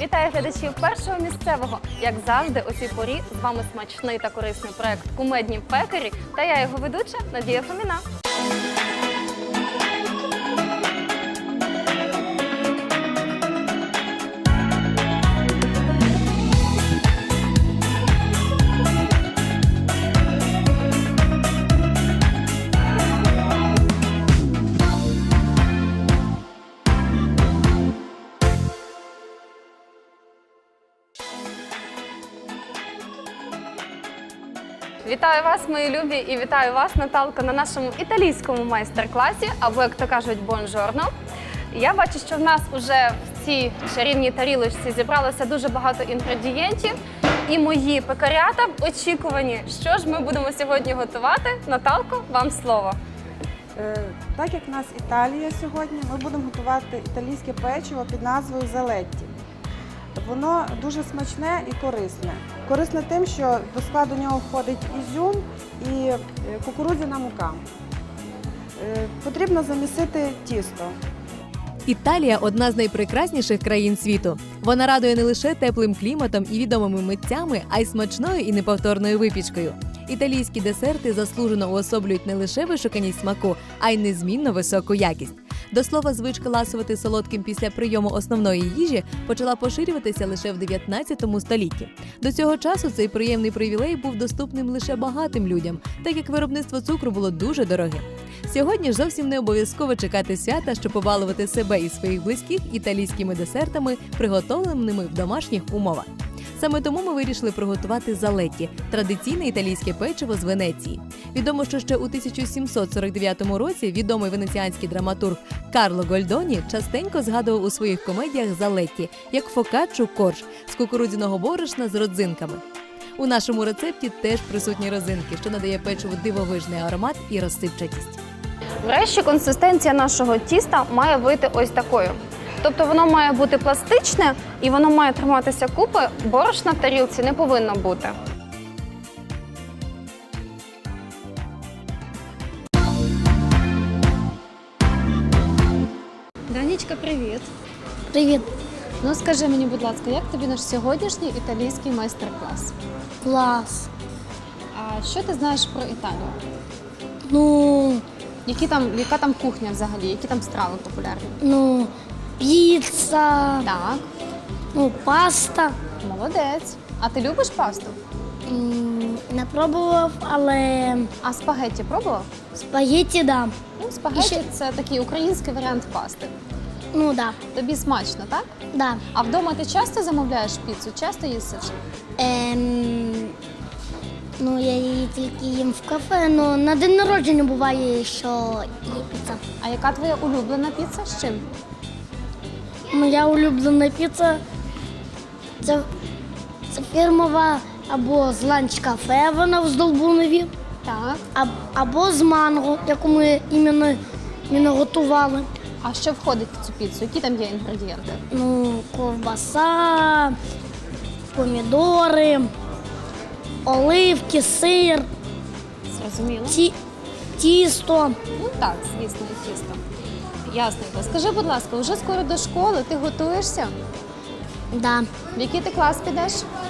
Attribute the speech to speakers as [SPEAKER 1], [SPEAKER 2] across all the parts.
[SPEAKER 1] Вітаю глядачів першого місцевого. Як завжди, о цій порі з вами смачний та корисний проект «Кумедні пекарі» та я його ведуча Надія Фоміна. Вітаю вас, мої любі, і вітаю вас, Наталко, на нашому італійському майстер-класі, або, як то кажуть, бонжорно. Я бачу, що в нас вже в цій чарівній тарілочці зібралося дуже багато інгредієнтів, і мої пекарята в очікуванні. Що ж ми будемо сьогодні готувати? Наталко, вам слово.
[SPEAKER 2] Так як в нас Італія сьогодні, ми будемо готувати італійське печиво під назвою «Залетті». Воно дуже смачне і корисне. Корисне тим, що до складу нього входить ізюм і кукурудзяна мука. Потрібно замісити тісто.
[SPEAKER 3] Італія – одна з найпрекрасніших країн світу. Вона радує не лише теплим кліматом і відомими митцями, а й смачною і неповторною випічкою. Італійські десерти заслужено уособлюють не лише вишуканість смаку, а й незмінно високу якість. До слова, звичка ласувати солодким після прийому основної їжі почала поширюватися лише в 19 столітті. До цього часу цей приємний привілей був доступним лише багатим людям, так як виробництво цукру було дуже дорогим. Сьогодні ж зовсім не обов'язково чекати свята, щоб побалувати себе і своїх близьких італійськими десертами, приготовленими в домашніх умовах. Саме тому ми вирішили приготувати залетті – традиційне італійське печиво з Венеції. Відомо, що ще у 1749 році відомий венеціанський драматург Карло Гольдоні частенько згадував у своїх комедіях залетті, як фокаччу корж з кукурудзяного борошна з родзинками. У нашому рецепті теж присутні родзинки, що надає печиву дивовижний аромат і розсипчатість.
[SPEAKER 1] Врешті, консистенція нашого тіста має вийти ось такою. Тобто воно має бути пластичне і воно має триматися купи, борошна в тарілці не повинно бути. Данічка, привіт!
[SPEAKER 4] Привіт,
[SPEAKER 1] Ну скажи мені, будь ласка, як тобі наш сьогоднішній італійський майстер-клас?
[SPEAKER 4] клас.
[SPEAKER 1] А що ти знаєш про Італію?
[SPEAKER 4] Ну,
[SPEAKER 1] Яка там кухня взагалі? Які там страви популярні?
[SPEAKER 4] піца,
[SPEAKER 1] Так,
[SPEAKER 4] паста.
[SPEAKER 1] молодець. А ти любиш пасту?
[SPEAKER 4] Не пробував, але
[SPEAKER 1] А спагетті пробував?
[SPEAKER 4] спагетті, да.
[SPEAKER 1] Ну, спагетті
[SPEAKER 4] ще-
[SPEAKER 1] – це такий український варіант пасти.
[SPEAKER 4] Да.
[SPEAKER 1] Тобі смачно, так?
[SPEAKER 4] Да.
[SPEAKER 1] А вдома ти часто замовляєш піцу? Часто їсиш?
[SPEAKER 4] Я її тільки їм в кафе, але на день народження буває, що є піца.
[SPEAKER 1] А яка твоя улюблена піца? З чим?
[SPEAKER 4] Моя улюблена піца це фірмова або з ланч-кафе, вона в Здолбунові,
[SPEAKER 1] Так.
[SPEAKER 4] або з манго, яку ми іменно готували.
[SPEAKER 1] А що входить в цю піцу? Які там є інгредієнти?
[SPEAKER 4] Ковбаса, помідори, оливки, сир,
[SPEAKER 1] Зрозуміло.
[SPEAKER 4] тісто.
[SPEAKER 1] Ну так, звісно, і тісто. Ясненько. Скажи, будь ласка, вже скоро до школи, ти готуєшся?
[SPEAKER 4] Да.
[SPEAKER 1] В який ти клас підеш?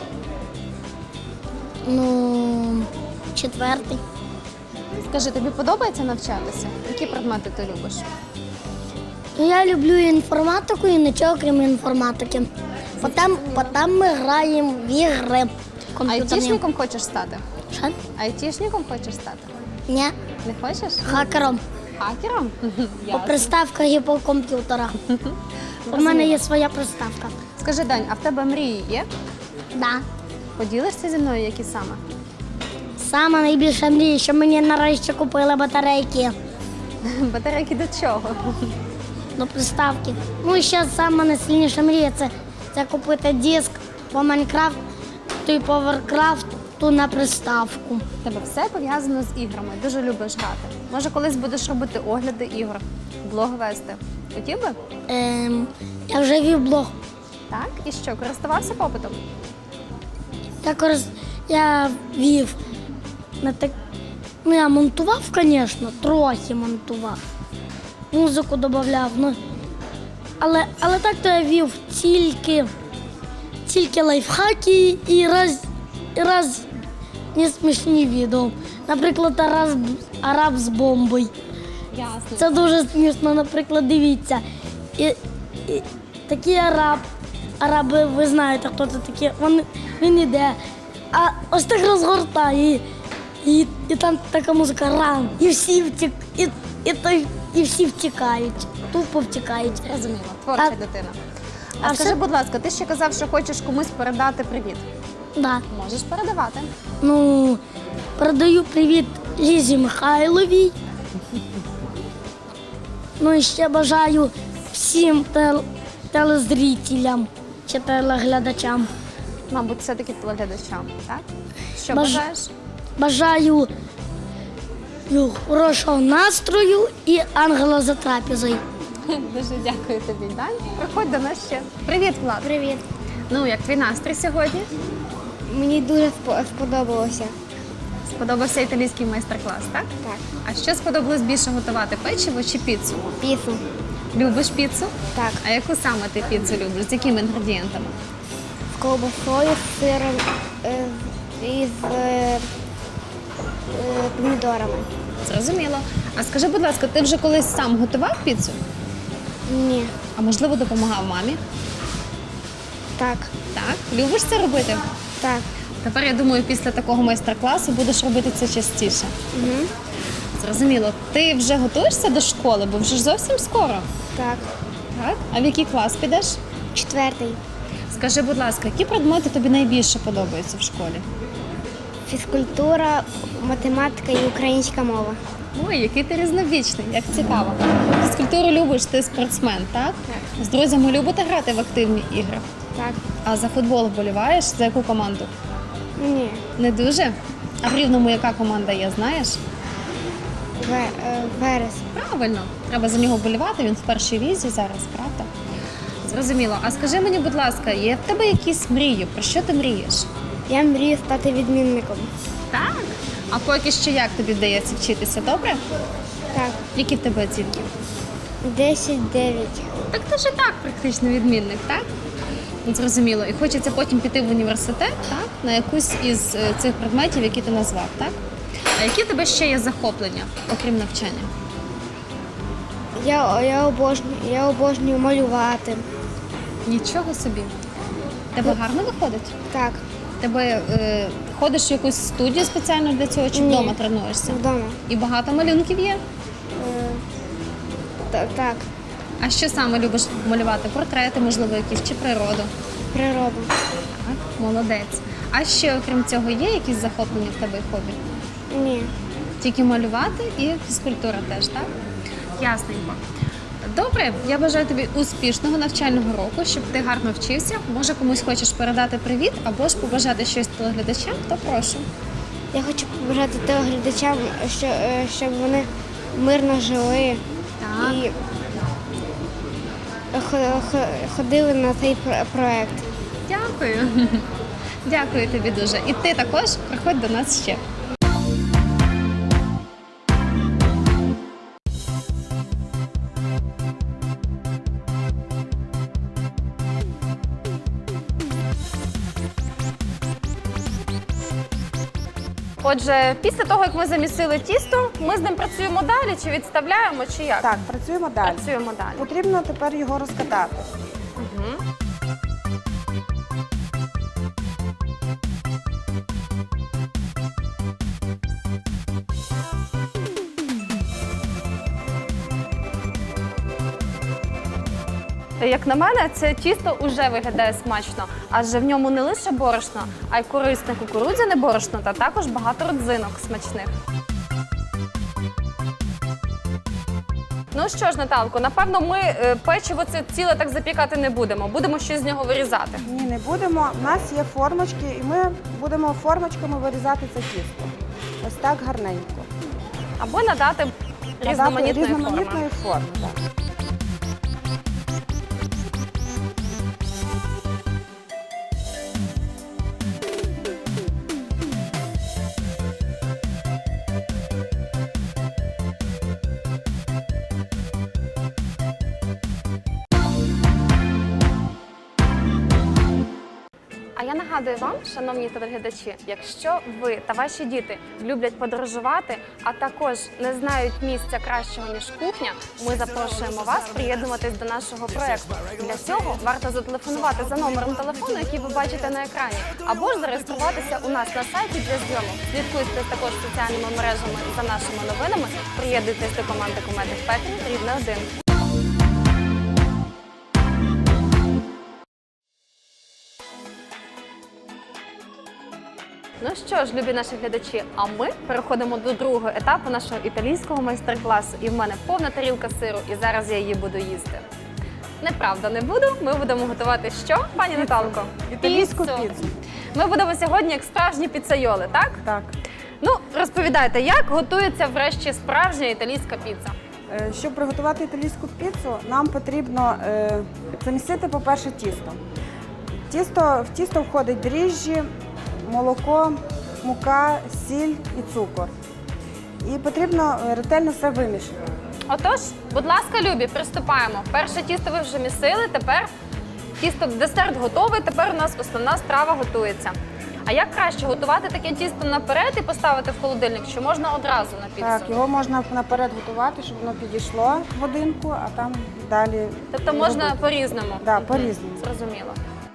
[SPEAKER 4] 4.
[SPEAKER 1] Скажи, тобі подобається навчатися? Які предмети ти любиш?
[SPEAKER 4] Я люблю інформатику і нічого крім інформатики. Потім ми граємо в ігри комп'ютерні.
[SPEAKER 1] Айтішником хочеш стати?
[SPEAKER 4] Що?
[SPEAKER 1] Айтішником хочеш стати?
[SPEAKER 4] Ні,
[SPEAKER 1] Не хочеш?
[SPEAKER 4] хакером.
[SPEAKER 1] Хакером?
[SPEAKER 4] По
[SPEAKER 1] Ясно.
[SPEAKER 4] приставках і по комп'ютерах. У мене є своя приставка.
[SPEAKER 1] Скажи, Дань, а в тебе мрії є?
[SPEAKER 4] Да.
[SPEAKER 1] Поділишся зі мною, які саме?
[SPEAKER 4] Сама найбільша мрія, що мені нарешті купили батарейки
[SPEAKER 1] Батарейки до чого?
[SPEAKER 4] до приставки. І ще сама найсильніша мрія це купити диск по Майнкрафту і по Варкрафту на приставку.
[SPEAKER 1] У тебе все пов'язано з іграми. Дуже любиш грати. Може, колись будеш робити огляди ігор, блог вести. Хотів би?
[SPEAKER 4] Я вже вів блог.
[SPEAKER 1] Так? І що, користувався попитом?
[SPEAKER 4] Я вів на так. Я монтував, звісно, трохи монтував. Музику додавав. Але так то я вів тільки тільки лайфхаки і різні смішні відео. Наприклад, араб з бомбою.
[SPEAKER 1] Ясно.
[SPEAKER 4] Це дуже смішно, наприклад, дивіться. І такий араби, ви знаєте, хто це такі, він іде, а ось так розгортає, і там така музика ран, і всі втікають, тупо втікають.
[SPEAKER 1] Розуміло, творча
[SPEAKER 4] А-
[SPEAKER 1] дитина.
[SPEAKER 4] а
[SPEAKER 1] Скажи,
[SPEAKER 4] все-
[SPEAKER 1] будь ласка, ти ще казав, що хочеш комусь передати привіт.
[SPEAKER 4] Да.
[SPEAKER 1] Можеш передавати.
[SPEAKER 4] Ну, передаю привіт Лізі Михайловій. Ну і ще бажаю всім телезрителям чи телеглядачам.
[SPEAKER 1] Мабуть, все-таки телеглядачам, так? Що
[SPEAKER 4] Баж-
[SPEAKER 1] бажаєш?
[SPEAKER 4] Бажаю хорошого настрою і ангела за трапезою.
[SPEAKER 1] Дуже дякую тобі, Дань. Приходь до нас ще. Привіт, Влад.
[SPEAKER 5] Привіт.
[SPEAKER 1] Ну, як твій настрій сьогодні?
[SPEAKER 5] Мені дуже сподобалося.
[SPEAKER 1] Сподобався італійський майстер-клас, так?
[SPEAKER 5] Так.
[SPEAKER 1] А що сподобалось більше готувати, печиво чи піцу?
[SPEAKER 5] Піцу.
[SPEAKER 1] Любиш піцу?
[SPEAKER 5] Так.
[SPEAKER 1] А яку саме ти піцу любиш? З якими інгредієнтами?
[SPEAKER 5] З ковбасою, з сиром і з помідорами.
[SPEAKER 1] Зрозуміло. А скажи, будь ласка, ти вже колись сам готував піцу?
[SPEAKER 5] Ні.
[SPEAKER 1] А можливо, допомагав мамі?
[SPEAKER 5] Так.
[SPEAKER 1] Так. Любиш це робити?
[SPEAKER 5] Так.
[SPEAKER 1] Тепер, я думаю, після такого майстер-класу будеш робити це частіше.
[SPEAKER 5] Угу.
[SPEAKER 1] Зрозуміло. Ти вже готуєшся до школи, бо вже ж зовсім скоро.
[SPEAKER 5] Так.
[SPEAKER 1] Так? А в який клас підеш?
[SPEAKER 5] 4.
[SPEAKER 1] Скажи, будь ласка, які предмети тобі найбільше подобаються в школі?
[SPEAKER 5] Фізкультура, математика і українська мова.
[SPEAKER 1] Ой, який ти різновічний, як цікаво. Фізкультуру любиш, ти спортсмен, так?
[SPEAKER 5] Так.
[SPEAKER 1] З друзями любите грати в активні ігри?
[SPEAKER 5] Так.
[SPEAKER 1] А за футбол вболіваєш? За яку команду?
[SPEAKER 5] Ні.
[SPEAKER 1] Не дуже? А в Рівному яка команда є, знаєш?
[SPEAKER 5] Верес.
[SPEAKER 1] Правильно, треба за нього вболівати, він в першій лізі зараз, правда? Зрозуміло. А скажи мені, будь ласка, є в тебе якісь мрії? Про що ти мрієш?
[SPEAKER 5] Я мрію стати відмінником.
[SPEAKER 1] Так. А поки що як тобі вдається вчитися, добре?
[SPEAKER 5] Так.
[SPEAKER 1] Які в тебе оцінки?
[SPEAKER 5] 10-9.
[SPEAKER 1] Так ти ж і так практично відмінник, так? Зрозуміло. І хочеться потім піти в університет, так? На якусь із цих предметів, які ти назвав, так? А які в тебе ще є захоплення, окрім навчання?
[SPEAKER 5] Я обожнюю малювати.
[SPEAKER 1] Нічого собі. Тебе гарно виходить?
[SPEAKER 5] Так.
[SPEAKER 1] Тебе ходиш в якусь студію спеціально для цього чи
[SPEAKER 5] Ні.
[SPEAKER 1] вдома тренуєшся?
[SPEAKER 5] Вдома.
[SPEAKER 1] І багато малюнків є?
[SPEAKER 5] Так.
[SPEAKER 1] А що саме любиш малювати? Портрети, можливо, якісь чи природу?
[SPEAKER 5] Природу.
[SPEAKER 1] Так, молодець. А ще, окрім цього, є якісь захоплення в тебе і хобі?
[SPEAKER 5] Ні.
[SPEAKER 1] Тільки малювати і фізкультура теж, так? Ясненько. Добре, я бажаю тобі успішного навчального року, щоб ти гарно вчився. Може, комусь хочеш передати привіт або ж побажати щось телеглядачам, то прошу.
[SPEAKER 5] Я хочу побажати телеглядачам, щоб вони мирно жили
[SPEAKER 1] Так.
[SPEAKER 5] і ходили на цей проект.
[SPEAKER 1] Дякую. Дякую тобі дуже. І ти також приходь до нас ще. Отже, після того, як ми замісили тісто, ми з ним працюємо далі, чи відставляємо, чи як?
[SPEAKER 2] Так, працюємо далі.
[SPEAKER 1] Працюємо далі.
[SPEAKER 2] Потрібно тепер його розкатати.
[SPEAKER 1] Як на мене, це тісто вже виглядає смачно, адже в ньому не лише борошно, а й корисне кукурудзяне борошно та також багато родзинок смачних. Ну що ж, Наталко, напевно, ми печиво це ціле так запікати не будемо. Будемо щось з нього вирізати.
[SPEAKER 2] Ні, не будемо. У нас є формочки, і ми будемо формочками вирізати це тісто. Ось так гарненько.
[SPEAKER 1] Або надати різноманітної форми.
[SPEAKER 2] Різноманітної форми. Так.
[SPEAKER 1] нагадую вам, шановні телеглядачі, якщо ви та ваші діти люблять подорожувати, а також не знають місця кращого, ніж кухня, ми запрошуємо вас приєднуватись до нашого проєкту. Для цього варто зателефонувати за номером телефону, який ви бачите на екрані, або ж зареєструватися у нас на сайті для зйомок. Слідкуйте також соціальними мережами за нашими новинами, приєднуйтесь до команди «Кумедних пекарів» Рівне 1. Ну що ж, любі наші глядачі, а ми переходимо до другого етапу нашого італійського майстер-класу. І в мене повна тарілка сиру, і зараз я її буду їсти. Неправда, не буду. Ми будемо готувати що, пані Наталко?
[SPEAKER 2] Італійську піцу.
[SPEAKER 1] Ми будемо сьогодні як справжні піцайоли, так?
[SPEAKER 2] Так.
[SPEAKER 1] Ну, розповідайте, як готується врешті справжня італійська піца?
[SPEAKER 2] Щоб приготувати італійську піцу, нам потрібно замісити, по-перше, тісто. В тісто входить дріжджі, молоко, мука, сіль і цукор. І потрібно ретельно все вимішати.
[SPEAKER 1] Отож, будь ласка, любі, приступаємо. Перше тісто ви вже місили, тепер десерт готовий, тепер у нас основна страва готується. А як краще готувати таке тісто наперед і поставити в холодильник, чи можна одразу на піцу?
[SPEAKER 2] Так, його можна наперед готувати, щоб воно підійшло годинку, а там далі.
[SPEAKER 1] Тобто можна
[SPEAKER 2] робити.
[SPEAKER 1] по-різному?
[SPEAKER 2] Да,
[SPEAKER 1] Мгм.
[SPEAKER 2] по-різному.
[SPEAKER 1] Зрозуміло.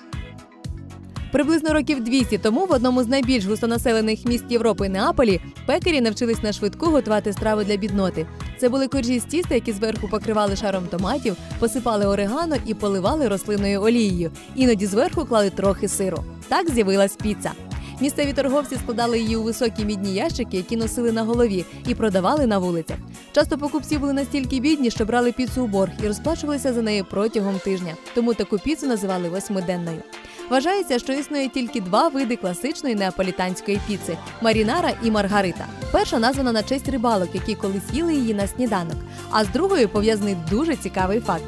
[SPEAKER 3] Приблизно років 200 тому в одному з найбільш густонаселених міст Європи Неаполі пекарі навчились на швидку готувати страви для бідноти. Це були коржі з тіста, які зверху покривали шаром томатів, посипали орегано і поливали рослинною олією. Іноді зверху клали трохи сиру. Так з'явилась піца. Місцеві торговці складали її у високі мідні ящики, які носили на голові, і продавали на вулицях. Часто покупці були настільки бідні, що брали піцу у борг і розплачувалися за неї протягом тижня. Тому таку піцу називали восьмиденною. Вважається, що існує тільки два види класичної неаполітанської піци – марінара і маргарита. Перша названа на честь рибалок, які колись їли її на сніданок. А з другою пов'язаний дуже цікавий факт.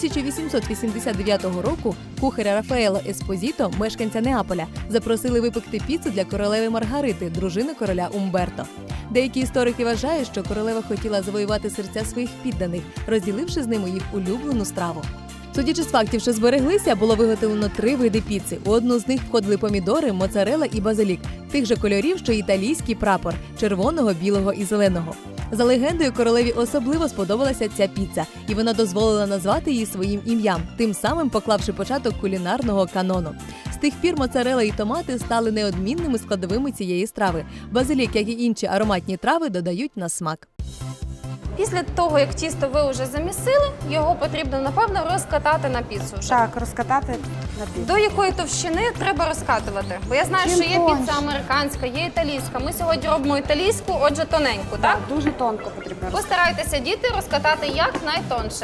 [SPEAKER 3] 1889 року кухаря Рафаело Еспозіто, мешканця Неаполя, запросили випекти піцу для королеви Маргарити, дружини короля Умберто. Деякі історики вважають, що королева хотіла завоювати серця своїх підданих, розділивши з ними їх улюблену страву. Судячи з фактів, що збереглися, було виготовлено 3 види піци. У одну з них входили помідори, моцарелла і базилік, тих же кольорів, що й італійський прапор – червоного, білого і зеленого. За легендою, королеві особливо сподобалася ця піца, і вона дозволила назвати її своїм ім'ям, тим самим поклавши початок кулінарного канону. З тих пір моцарелла і томати стали неодмінними складовими цієї страви. Базилік, як і інші ароматні трави, додають на смак.
[SPEAKER 1] Після того, як тісто ви вже замісили, його потрібно, напевно, розкатати на піцу вже.
[SPEAKER 2] Так, розкатати на піцу.
[SPEAKER 1] До якої товщини треба розкатувати? Бо я знаю,
[SPEAKER 2] Чим
[SPEAKER 1] що є
[SPEAKER 2] тоньше.
[SPEAKER 1] піца американська, є італійська. Ми сьогодні робимо італійську, отже, тоненьку, так?
[SPEAKER 2] Так, дуже тонко потрібно розкатати.
[SPEAKER 1] Постарайтеся, діти, розкатати якнайтонше.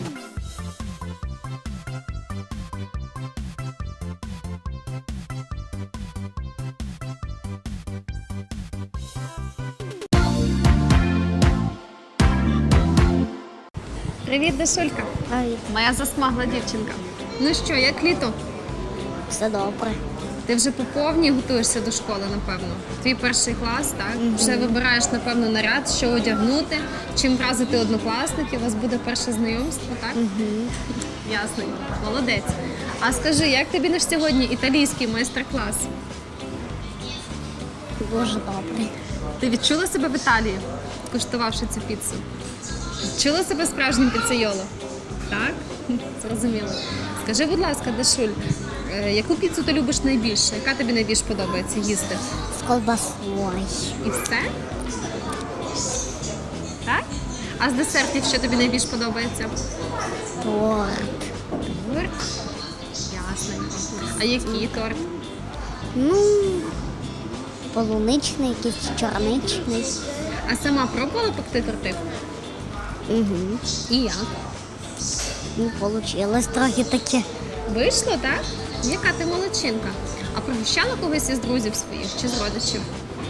[SPEAKER 1] Привіт, Дашулька.
[SPEAKER 5] Привіт.
[SPEAKER 1] Моя засмагла дівчинка. Ну що, як літо?
[SPEAKER 5] Все добре.
[SPEAKER 1] Ти вже по повній готуєшся до школи, напевно. Твій перший клас, так? Вже вибираєш, напевно, наряд, що одягнути, чим вразити однокласників. У вас буде перше знайомство, так? Ясно. Молодець. А скажи, як тобі наш сьогодні італійський майстер-клас?
[SPEAKER 5] Дуже добре.
[SPEAKER 1] Ти відчула себе в Італії, куштувавши цю піцу? Відчула себе справжнім піцейолом? Так? Зрозуміло. Скажи, будь ласка, Дашуль, яку піцу ти любиш найбільше? Яка тобі найбільше подобається їсти?
[SPEAKER 5] З колбасою.
[SPEAKER 1] І все? Так? А з десертів що тобі найбільше подобається?
[SPEAKER 5] Торт.
[SPEAKER 1] Торт? Ясненько. А який торт?
[SPEAKER 5] Ну, полуничний, якийсь чорничний.
[SPEAKER 1] А сама пробувала пекти торти?
[SPEAKER 5] Угу.
[SPEAKER 1] І як?
[SPEAKER 5] Ну, вийшло трохи таке.
[SPEAKER 1] Вийшло, так? Яка ти молодчинка. А пригощала когось із друзів своїх чи з родичів?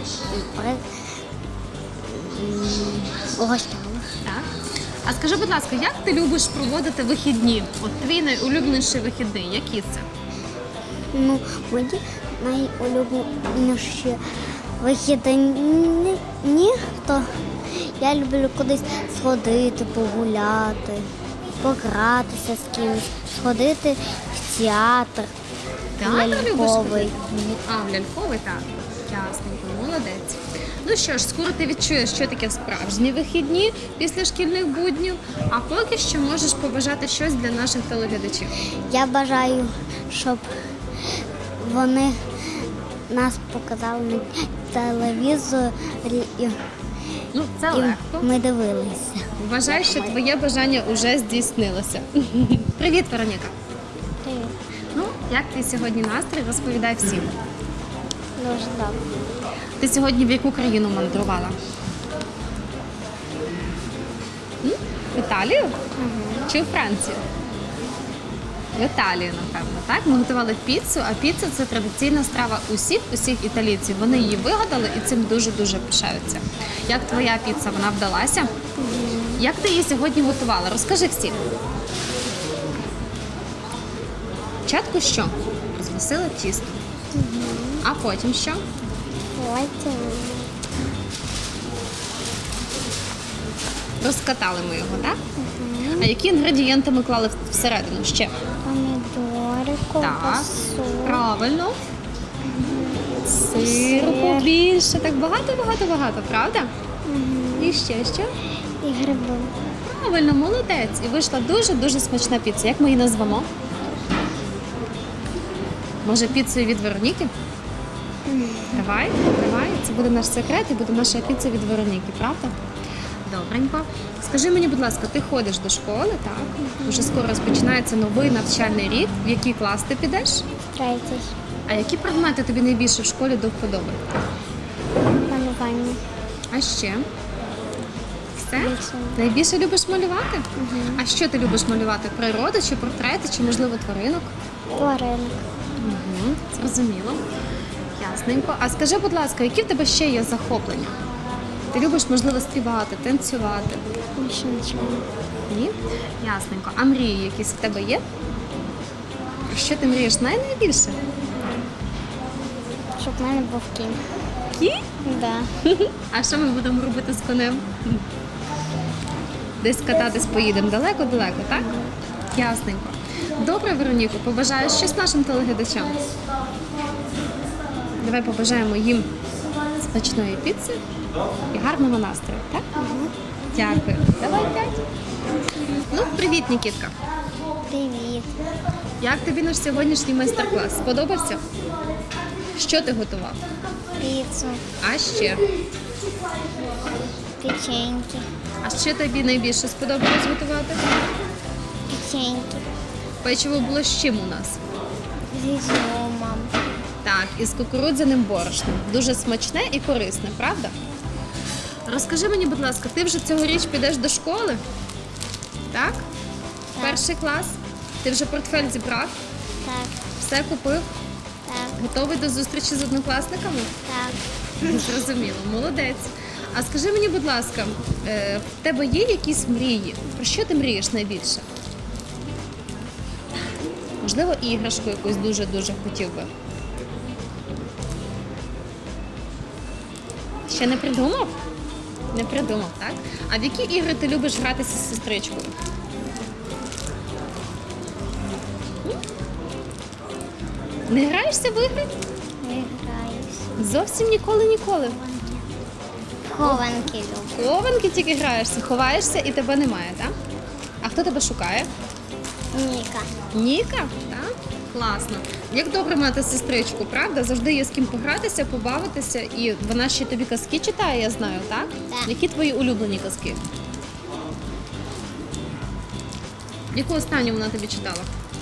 [SPEAKER 5] Угощала.
[SPEAKER 1] Так. А скажи, будь ласка, як ти любиш проводити вихідні? От твій найулюбленіший вихідний, які це?
[SPEAKER 5] Ну, мої найулюбленіші вихідні, то я люблю кудись сходити, погуляти, погратися з кимось, сходити в театр.
[SPEAKER 1] Театр любиш
[SPEAKER 5] Ляльковий.
[SPEAKER 1] ходити? А, в ляльковий, так. Ясненько, молодець. Ну що ж, скоро ти відчуєш, що таке справжні вихідні після шкільних буднів, а поки що можеш побажати щось для наших телеглядачів.
[SPEAKER 5] Я бажаю, щоб вони нас показали на телевізорі
[SPEAKER 1] Ну, це
[SPEAKER 5] і
[SPEAKER 1] легко.
[SPEAKER 5] ми дивилися.
[SPEAKER 1] Вважаю, що твоє бажання вже здійснилося. Привіт, Вероніка. Ну, як твій сьогодні настрій? Розповідай всім.
[SPEAKER 5] Дуже добре.
[SPEAKER 1] Ти сьогодні в яку країну мандрувала? В Італію? Чи у Францію? В Італію, напевно, так? Ми готували піцу, а піца – це традиційна страва усіх італійців. Вони її вигадали і цим дуже-дуже пишаються. Як твоя піца, вона вдалася? Як ти її сьогодні готувала? Розкажи всім. Спочатку що? Розвесила тісто. А потім що? Розкатали ми його, так? А які інгредієнти ми клали всередину ще?
[SPEAKER 5] Помідори,
[SPEAKER 1] Так,
[SPEAKER 5] ковбасу,
[SPEAKER 1] правильно. Сиру побільше, так багато, правда? І ще що?
[SPEAKER 5] і гриби.
[SPEAKER 1] Правильно, молодець. І вийшла дуже-дуже смачна піца. Як ми її назвемо? Може, піцею від Вероніки? Давай. Це буде наш секрет і буде наша піца від Вероніки, правда? Добренько. Скажи мені, будь ласка, ти ходиш до школи, так? Уже скоро розпочинається новий навчальний рік. В який клас ти підеш?
[SPEAKER 5] Третій.
[SPEAKER 1] А які предмети тобі найбільше в школі до вподоби?
[SPEAKER 5] Малювання.
[SPEAKER 1] А ще? Все?
[SPEAKER 5] Більше.
[SPEAKER 1] Найбільше любиш малювати? А що ти любиш малювати? Природу чи портрети, чи, можливо, тваринок?
[SPEAKER 5] Тваринок.
[SPEAKER 1] Зрозуміло. Ясненько. А скажи, будь ласка, які в тебе ще є захоплення? Ти любиш, можливо, співати, танцювати?
[SPEAKER 5] Більше нічого.
[SPEAKER 1] Ні? Ясненько. А мрії якісь в тебе є? Про що ти мрієш найбільше?
[SPEAKER 5] Щоб в мене був кінь.
[SPEAKER 1] Кінь?
[SPEAKER 5] Да.
[SPEAKER 1] А що ми будемо робити з конем? Десь кататись поїдемо далеко-далеко, так? Ясненько. Добре, Вероніко, побажаєш щось нашим телеглядачам? Давай побажаємо їм смачної піци і гарного настрою, так? Дякую. Давай 5. Ну, привіт, Нікітка.
[SPEAKER 5] Привіт.
[SPEAKER 1] Як тобі наш сьогоднішній майстер-клас? Сподобався? Що ти готував?
[SPEAKER 5] Піцу,
[SPEAKER 1] А ще?
[SPEAKER 5] печеньки,
[SPEAKER 1] А що тобі найбільше сподобалось готувати?
[SPEAKER 5] печеньки
[SPEAKER 1] Печиво було з чим у нас?
[SPEAKER 5] з ізюмом.
[SPEAKER 1] Так, із кукурудзяним борошном. Дуже смачне і корисне, правда? Розкажи мені, будь ласка, ти вже цьогоріч підеш до школи? Так? Перший клас? Ти вже портфель зібрав?
[SPEAKER 5] Так,
[SPEAKER 1] Все купив?
[SPEAKER 5] так,
[SPEAKER 1] Готовий до зустрічі з однокласниками?
[SPEAKER 5] так.
[SPEAKER 1] Зрозуміло, молодець. А скажи мені, будь ласка, в тебе є якісь мрії? Про що ти мрієш найбільше? Можливо, іграшку якусь дуже-дуже хотів би. Ще не придумав? Не придумав, так? А в які ігри ти любиш гратися з сестричкою? Не граєшся в ігри?
[SPEAKER 5] Не граюсь.
[SPEAKER 1] Зовсім ніколи.
[SPEAKER 5] Хованки люблю.
[SPEAKER 1] Хованки тільки граєшся, ховаєшся і тебе немає, так? А хто тебе шукає?
[SPEAKER 5] Ніка.
[SPEAKER 1] Ніка? Так? Класно. Як добре мати сестричку, правда? Завжди є з ким погратися, побавитися, і вона ще тобі казки читає, я знаю, так?
[SPEAKER 5] Так.
[SPEAKER 1] Які твої улюблені казки? Яку останню вона тобі читала?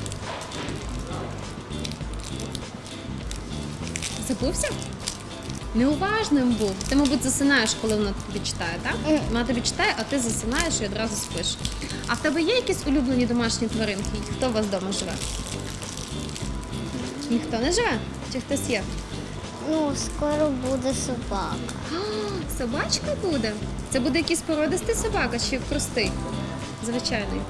[SPEAKER 1] Забувся? Неуважним був. Ти, мабуть, засинаєш, коли вона тобі читає, так? Вона тобі читає, а ти засинаєш і одразу спиш. А в тебе є якісь улюблені домашні тваринки? Хто у вас вдома живе? Ніхто не живе? Чи хтось є?
[SPEAKER 5] Ну, скоро буде собака.
[SPEAKER 1] А, собачка буде? Це буде якийсь породистий собака чи простий? Звичайний.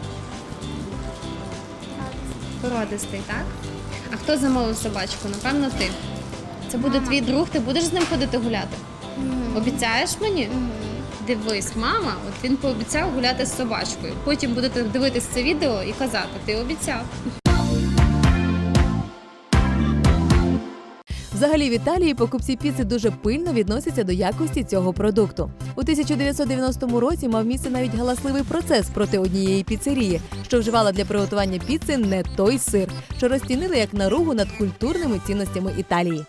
[SPEAKER 1] Породистий, так? А хто замовив собачку? Напевно, ти. Це буде твій друг, ти будеш з ним ходити гуляти? Обіцяєш мені? Дивись, мама, от він пообіцяв гуляти з собачкою. Потім будете дивитись це відео і казати, ти обіцяв.
[SPEAKER 3] Взагалі в Італії покупці піци дуже пильно відносяться до якості цього продукту. У 1990 році мав місце навіть галасливий процес проти однієї піцерії, що вживала для приготування піци не той сир, що розцінили як наругу над культурними цінностями Італії.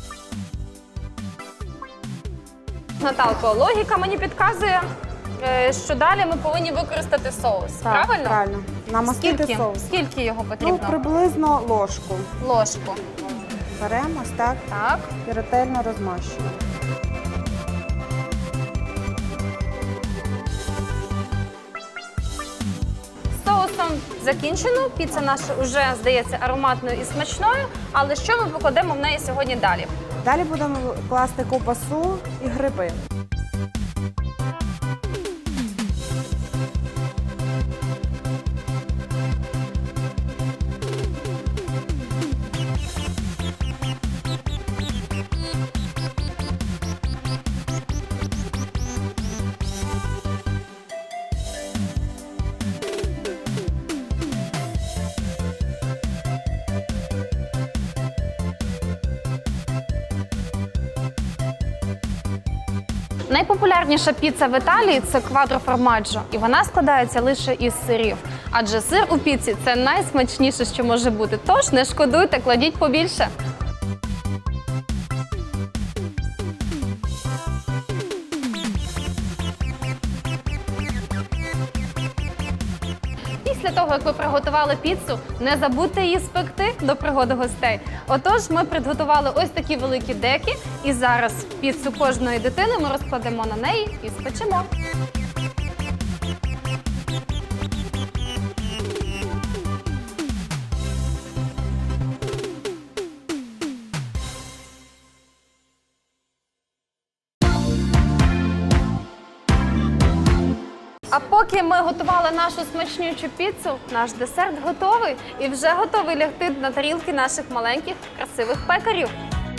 [SPEAKER 1] Наталко, логіка мені підказує, що далі ми повинні використати соус. Правильно?
[SPEAKER 2] Правильно. Намастити
[SPEAKER 1] Скільки?
[SPEAKER 2] соус.
[SPEAKER 1] Скільки його
[SPEAKER 2] Ну,
[SPEAKER 1] потрібно?
[SPEAKER 2] приблизно ложку.
[SPEAKER 1] Ложку.
[SPEAKER 2] Беремо ось так
[SPEAKER 1] Так.
[SPEAKER 2] і ретельно розмащуємо.
[SPEAKER 1] Соусом закінчено. Піца наша вже, здається, ароматною і смачною. Але що ми покладемо в неї сьогодні далі?
[SPEAKER 2] Далі будемо класти ковбасу і гриби.
[SPEAKER 1] Найпопулярніша піца в Італії – це квадро формаджо, і вона складається лише із сирів. Адже сир у піці – це найсмачніше, що може бути. Тож не шкодуйте, кладіть побільше. Після того, як ви приготували піцу, не забудьте її спекти до пригоди гостей. Отож, ми підготували ось такі великі деки, і зараз піцу кожної дитини ми розкладемо на неї і спечемо. А поки ми готували нашу смачнючу піцу, наш десерт готовий і вже готовий лягти на тарілки наших маленьких красивих пекарів.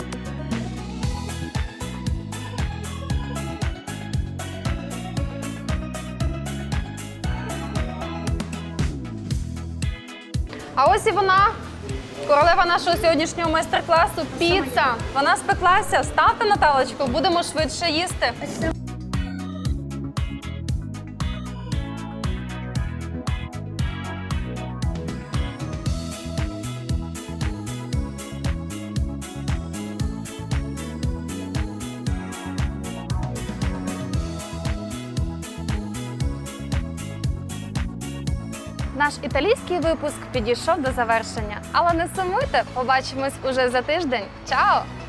[SPEAKER 1] А ось і вона, королева нашого сьогоднішнього майстер-класу – піца. Вона спеклася. Ставте, Наталочку, будемо швидше їсти. Наш італійський випуск підійшов до завершення. Але не сумуйте, побачимось уже за тиждень. Чао!